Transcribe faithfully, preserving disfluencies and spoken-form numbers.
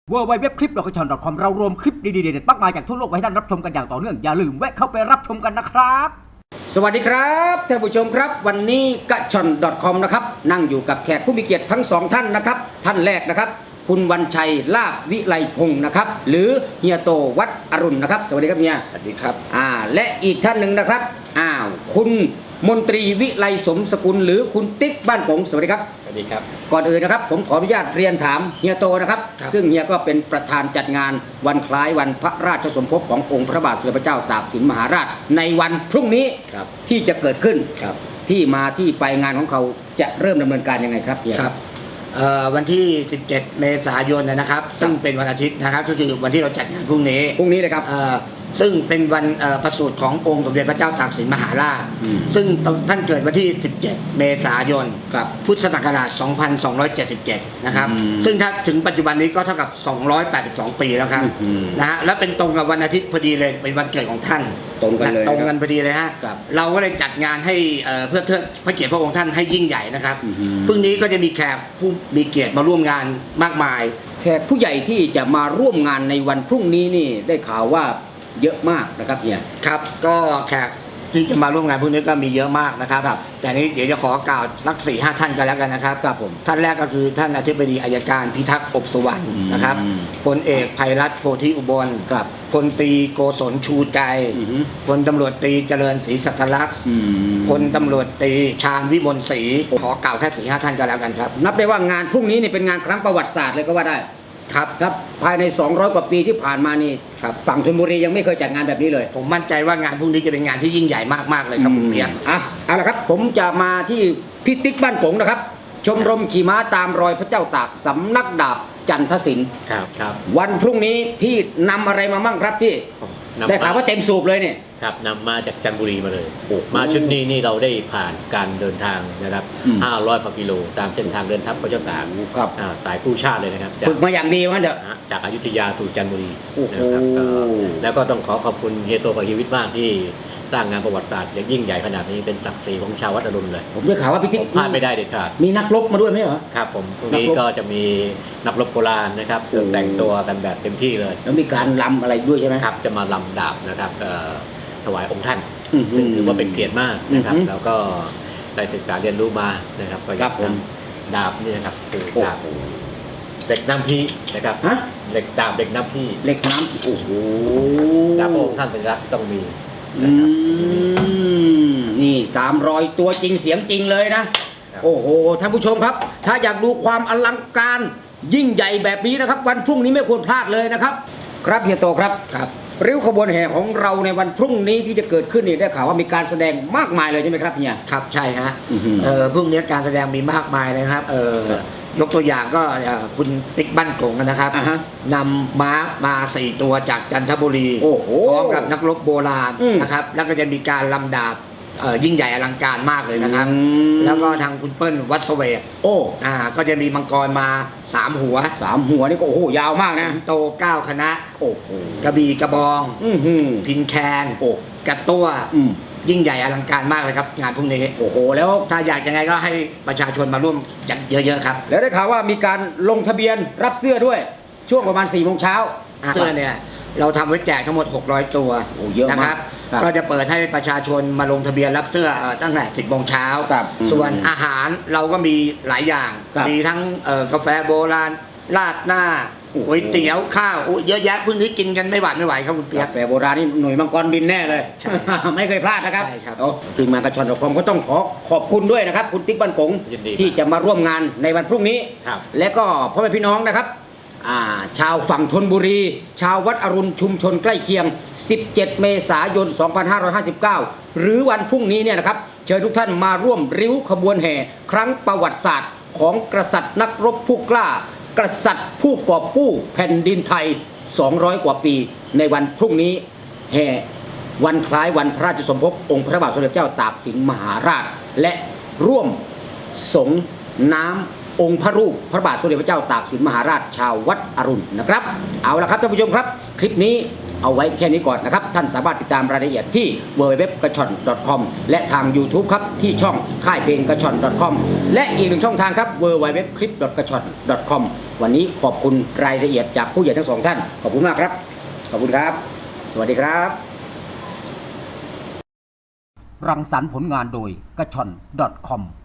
ดับเบิลยู ดับเบิลยู ดับเบิลยู ดอท คลิป ดอท คอม ดอท คอม เรารวมคลิปดีๆเด็ดๆมากมายจากทั่วโลกไว้ให้ท่านรับชมกันอย่างต่อเนื่องอย่าลืมแวะเข้าไปรับชมกันนะครับสวัสดีครับท่านผู้ชมครับวันนี้กะชอน ดอท คอม นะครับนั่งอยู่กับแขกผู้มีเกียรติทั้งสองท่านนะครับท่านแรกนะครับคุณวันชัยลาภวิไลพงศ์นะครับหรือเฮียโตวัดอรุณนะครับสวัสดีครับเฮียสวัสดีครับอ่าและอีกท่านหนึ่งนะครับอ้าวคุณมนตรีวิไลสมสกุลหรือคุณติ๊กบ้านป๋งสวัสดีครับสวัสดีครับก่อนอื่นนะครับผมขออนุญาตเรียนถามเฮียโตนะครับซึ่งเฮียก็เป็นประธานจัดงานวันคล้ายวันพระราชสมภพขององค์พระบาทสมเด็จพระเจ้าตากสินมหาราชในวันพรุ่งนี้ที่จะเกิดขึ้นที่มาที่ไปงานของเขาจะเริ่มดำเนินการยังไงครับเฮียครับวันที่สิบเจ็ดเมษายนนะครับซึ่งเป็นวันอาทิตย์นะครับก็คือวันที่เราจัดงานพรุ่งนี้พรุ่งนี้เลยครับซึ่งเป็นวันประสูติขององค์สมเด็จพระเจ้าตากสินมหาราชซึ่งท่านเกิดวันที่สิบเจ็ดเมษายนพุทธศักราชสองพันสองร้อยเจ็ดสิบเจ็ดนะครับซึ่งถ้าถึงปัจจุบันนี้ก็เท่ากับสองร้อยแปดสิบสองปีแล้วครับนะฮะและเป็นตรงกับวันอาทิตย์พอดีเลยเป็นวันเกิดของท่านตรงกันเลยตรงกันพอดีเลยฮะเราก็เลยจัดงานให้เพื่อเทิดพระเกียรติพระองค์ท่านให้ยิ่งใหญ่นะครับพรุ่งนี้ก็จะมีแขกผู้มีเกียรติมาร่วมงานมากมายแขกผู้ใหญ่ที่จะมาร่วมงานในวันพรุ่งนี้นี่ได้ข่าวว่าเยอะมากนะครับเฮียครับก็แขกที่จะมาร่วมงานพวกนี้ก็มีเยอะมากนะครับแต่นี้เดี๋ยวจะขอกล่าวสักสี่ห้าท่านกันแล้วกันนะครับครับผมท่านแรกก็คือท่านอธิบดีอัยการพิทักษ์อบสุวรรณนะครับพลเอกไพรัตน์โพธิอุบลครับพลตรีโกศลชูใจพลตำรวจตรีเจริญศรีสัทธลักษณ์พลตำรวจตรีชาญวิมลศรีขอกล่าวแค่สี่ห้าท่านกันแล้วกันครับนับได้ว่างานพรุ่งนี้นี่เป็นงานครั้งประวัติศาสตร์เลยก็ว่าได้ครับครับภายในสองร้อยกว่าปีที่ผ่านมานี่ฝั่งชลบุรียังไม่เคยจัดงานแบบนี้เลยผมมั่นใจว่างานพรุ่งนี้จะเป็นงานที่ยิ่งใหญ่มากๆเลยครับคุณเปียกอ่ะเอาละครับผมจะมาที่พี่ติ๊กบ้านกงนะครับชมรมขี่ม้าตามรอยพระเจ้าตากสำนักดาบจันทศิลป์ครับครับวันพรุ่งนี้พี่นำอะไรมามั่งครับพี่ได้ข่าวว่าเต็มสูบเลยเนี่ยครับนำมาจากจันทบุรีมาเลยมาชุดนี้นี่เราได้ผ่านการเดินทางนะครับห้าร้อยกิโลตามเส้นทางเดินทัพพระเจ้าตากครับสายผู้ชาติเลยนะครับฝึกมาอย่างดีว่าเด้อจากอยุธยาสู่จันทบุรีนะครับแล้วก็ต้องขอขอบคุณเฮียโตกับเฮียวิทย์มากที่สร้างงานประวัติศาสตร์อย่างยิ่งใหญ่ขนาดนี้เป็นศักดิ์ศรีของชาววัดอรุณเลยผมได้ข่าวว่าพี่ติ๊กพลาดไม่ได้เด็ดขาดมีนักรบมาด้วยไหมเหรอครับผมพรุ่งนี้ก็จะมีนักรบโบราณนะครับแต่งตัวกันแบบเต็มที่เลยแล้วมีการรำอะไรด้วยใช่ไหมครับจะมาลำดาบนะครับถวายองค์ท่านซึ่งถือว่าเป็นเกียรติมากนะครับแล้วก็ได้ศึกษาเรียนรู้มานะครับก็อยากทำดาบนี่นะครับคือดาบเหล็กน้ำพี่นะครับเหล็กดาบเหล็กน้ำพี่เหล็กน้ำโอ้โหดาบพระองค์ท่านเป็นรักต้องมีนี่ตามรอยตัวจริงเสียงจริงเลยนะโอ้โหท่านผู้ชมครับถ้าอยากดูความอลังการยิ่งใหญ่แบบนี้นะครับวันพรุ่งนี้ไม่ควรพลาดเลยนะครับครับเฮียโตครับครับริ้วขบวนแห่ของเราในวันพรุ่งนี้ที่จะเกิดขึ้นนี่ได้ข่าวว่ามีการแสดงมากมายเลยใช่ไหมครับเฮียครับใช่ฮะเออพรุ่งนี้การแสดงมีมากมายเลยครับเออยกตัวอย่างก็คุณติ๊กบ้านกงนะครับนำม้ามาสี่ตัวจากจันทบุรีพร้อมกับนักรบโบราณนะครับแล้วก็จะมีการลำดาบยิ่งใหญ่อลังการมากเลยนะครับแล้วก็ทางคุณเปิ้ลวัดเสวกโอ้อ่าก็จะมีมังกรมาสามหัวสามหัวนี่ก็โอ้โหยาวมากนะโตเก้าคณะโอ้โหกระบี่กระบองพินแคนโอ้กระตัวยิ่งใหญ่อลังการมากเลยครับงานพรุ่งนี้โอ้โหแล้วถ้าอยากยังไงก็ให้ประชาชนมาร่วมจัดเยอะๆครับแล้วได้ข่าวว่ามีการลงทะเบียนรับเสื้อด้วยช่วงประมาณสี่โมงเช้าเสื้อเนี่ยเราทำไว้แจกทั้งหมดหกร้อยตัวนะครับก็จะเปิดให้ประชาชนมาลงทะเบียนรับเสื้อตั้งแต่สิบโมงเช้าส่วนอาหารเราก็มีหลายอย่างมีทั้งกาแฟโบราณราดหน้าก๋วยเตี๋ยวข้าวเยอะแยะพื้นที่กินกันไม่หวาดไม่ไหวครับคุณเปียกกาแฟโบราณนี่หน่วยมังกรบินแน่เลยไม่เคยพลาดนะครับทีมงานกระชอนดอทคอมก็ต้องขอขอบคุณด้วยนะครับคุณติ๊กบ้านกงที่จะมาร่วมงานในวันพรุ่งนี้และก็พ่อแม่พี่น้องนะครับชาวฝั่งธนบุรีชาววัดอรุณชุมชนใกล้เคียงสิบเจ็ดเมษายนสองพันห้าร้อยห้าสิบเก้าหรือวันพรุ่งนี้เนี่ยนะครับเชิญทุกท่านมาร่วมริ้วขบวนแห่ครั้งประวัติศาสตร์ของกษัตริย์นักรบผู้กล้ากษัตริย์ผู้กอบกู้แผ่นดินไทยสองร้อยกว่าปีในวันพรุ่งนี้แห่วันคล้ายวันพระราชสมภพองค์พระบาทสมเด็จเจ้าตากสินมหาราชและร่วมสงน้ำองค์พระรูปพระบาทสมเด็จพระเจ้าตากสินมหาราชชาววัดอรุณนะครับเอาละครับท่านผู้ชมครับคลิปนี้เอาไว้แค่นี้ก่อนนะครับท่านสามารถติดตามรายละเอียดที่ ดับเบิลยู ดับเบิลยู ดับเบิลยู ดอท กระชอน ดอท คอม และทาง YouTube ครับที่ช่องค่ายเพลงกระชอน ดอท คอม และอีกหนึ่งช่องทางครับ ดับเบิลยู ดับเบิลยู ดับเบิลยู ดอท คลิป ดอท กระชอน ดอท คอม วันนี้ขอบคุณรายละเอียดจากผู้ใหญ่ทั้งสองท่านขอบคุณมากครับขอบคุณครับสวัสดีครับรังสรรค์ผลงานโดยกระชอน ดอท คอม